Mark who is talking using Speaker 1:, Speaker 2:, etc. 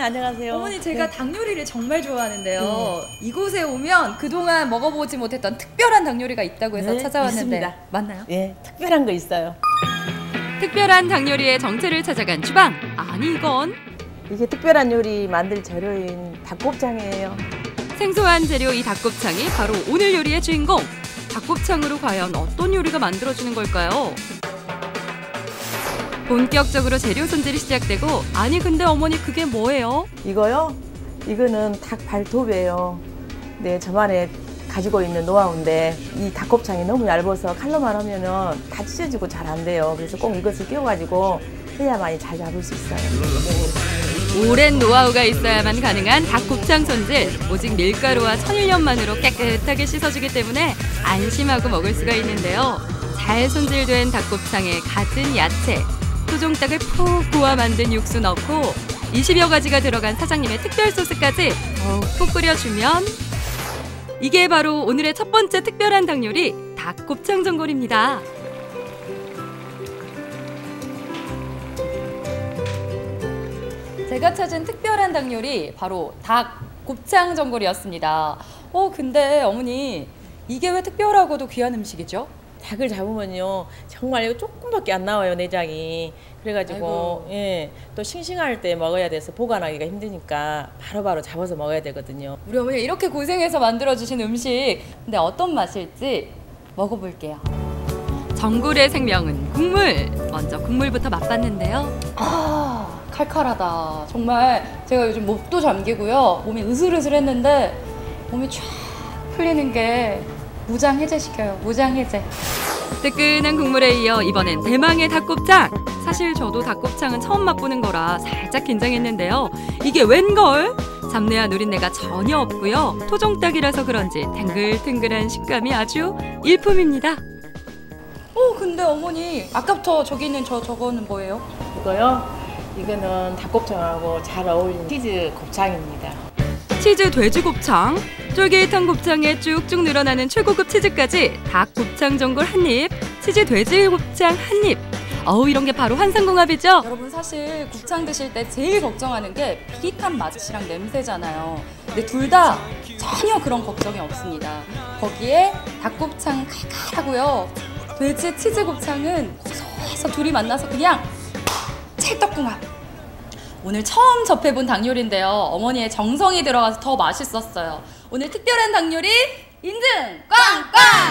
Speaker 1: 안녕하세요.
Speaker 2: 어머니 제가 닭 요리를 정말 좋아하는데요. 이곳에 오면 그동안 먹어보지 못했던 특별한 닭 요리가 있다고 해서 찾아왔는데
Speaker 1: 있습니다.
Speaker 2: 맞나요?
Speaker 1: 예, 특별한 거 있어요.
Speaker 3: 특별한 닭 요리의 정체를 찾아간 주방. 아니 이건
Speaker 1: 이게 특별한 요리 만들 재료인 닭곱창이에요.
Speaker 3: 생소한 재료 이 닭곱창이 바로 오늘 요리의 주인공. 닭곱창으로 과연 어떤 요리가 만들어지는 걸까요? 본격적으로 재료 손질이 시작되고 아니 근데 어머니 그게 뭐예요?
Speaker 1: 이거요? 이거는 닭 발톱이에요. 네, 저만의 가지고 있는 노하우인데 이 닭곱창이 너무 얇아서 칼로만 하면은 다 찢어지고 잘 안 돼요. 그래서 꼭 이것을 끼워가지고 해야만이 잘 잡을 수 있어요.
Speaker 3: 오랜 노하우가 있어야만 가능한 닭곱창 손질. 오직 밀가루와 천일염만으로 깨끗하게 씻어주기 때문에 안심하고 먹을 수가 있는데요. 잘 손질된 닭곱창에 갖은 야채, 토종닭을 푹 구워 만든 육수 넣고 20여 가지가 들어간 사장님의 특별 소스까지 푹 끓여주면 이게 바로 오늘의 첫 번째 특별한 닭 요리, 닭곱창 전골입니다.
Speaker 2: 제가 찾은 특별한 닭 요리 바로 닭곱창 전골이었습니다. 근데 어머니 이게 왜 특별하고도 귀한 음식이죠?
Speaker 1: 닭을 잡으면요 정말 이거 조금밖에 안 나와요, 내장이. 그래가지고 예, 또 싱싱할 때 먹어야 돼서 보관하기가 힘드니까 바로바로 잡아서 먹어야 되거든요.
Speaker 2: 우리 어머니 이렇게 고생해서 만들어주신 음식 근데 어떤 맛일지 먹어볼게요.
Speaker 3: 전골의 생명은 국물. 먼저 국물부터 맛봤는데요.
Speaker 2: 칼칼하다. 정말 제가 요즘 목도 잠기고요. 몸이 으슬으슬했는데 몸이 쫙 풀리는 게 무장해제시켜요. 무장해제.
Speaker 3: 뜨끈한 국물에 이어 이번엔 대망의 닭곱창. 사실 저도 닭곱창은 처음 맛보는 거라 살짝 긴장했는데요. 이게 웬걸? 잡내와 누린내가 전혀 없고요. 토종닭이라서 그런지 탱글탱글한 식감이 아주 일품입니다.
Speaker 2: 근데 어머니 아까부터 저기 있는 저거는 뭐예요?
Speaker 1: 이거요? 이거는 닭곱창하고 잘 어울리는 치즈 곱창입니다.
Speaker 3: 치즈 돼지곱창, 쫄깃한 곱창에 쭉쭉 늘어나는 최고급 치즈까지 닭곱창 전골 한 입, 치즈 돼지곱창 한 입. 이런 게 바로 환상궁합이죠?
Speaker 2: 여러분 사실 곱창 드실 때 제일 걱정하는 게 비릿한 맛이랑 냄새잖아요. 근데 둘 다 전혀 그런 걱정이 없습니다. 거기에 닭곱창 칼칼하고요. 돼지 치즈 곱창은 고소해서 둘이 만나서 그냥 찰떡궁합. 오늘 처음 접해본 닭 요리인데요. 어머니의 정성이 들어가서 더 맛있었어요. 오늘 특별한 닭 요리 인증 꽝꽝!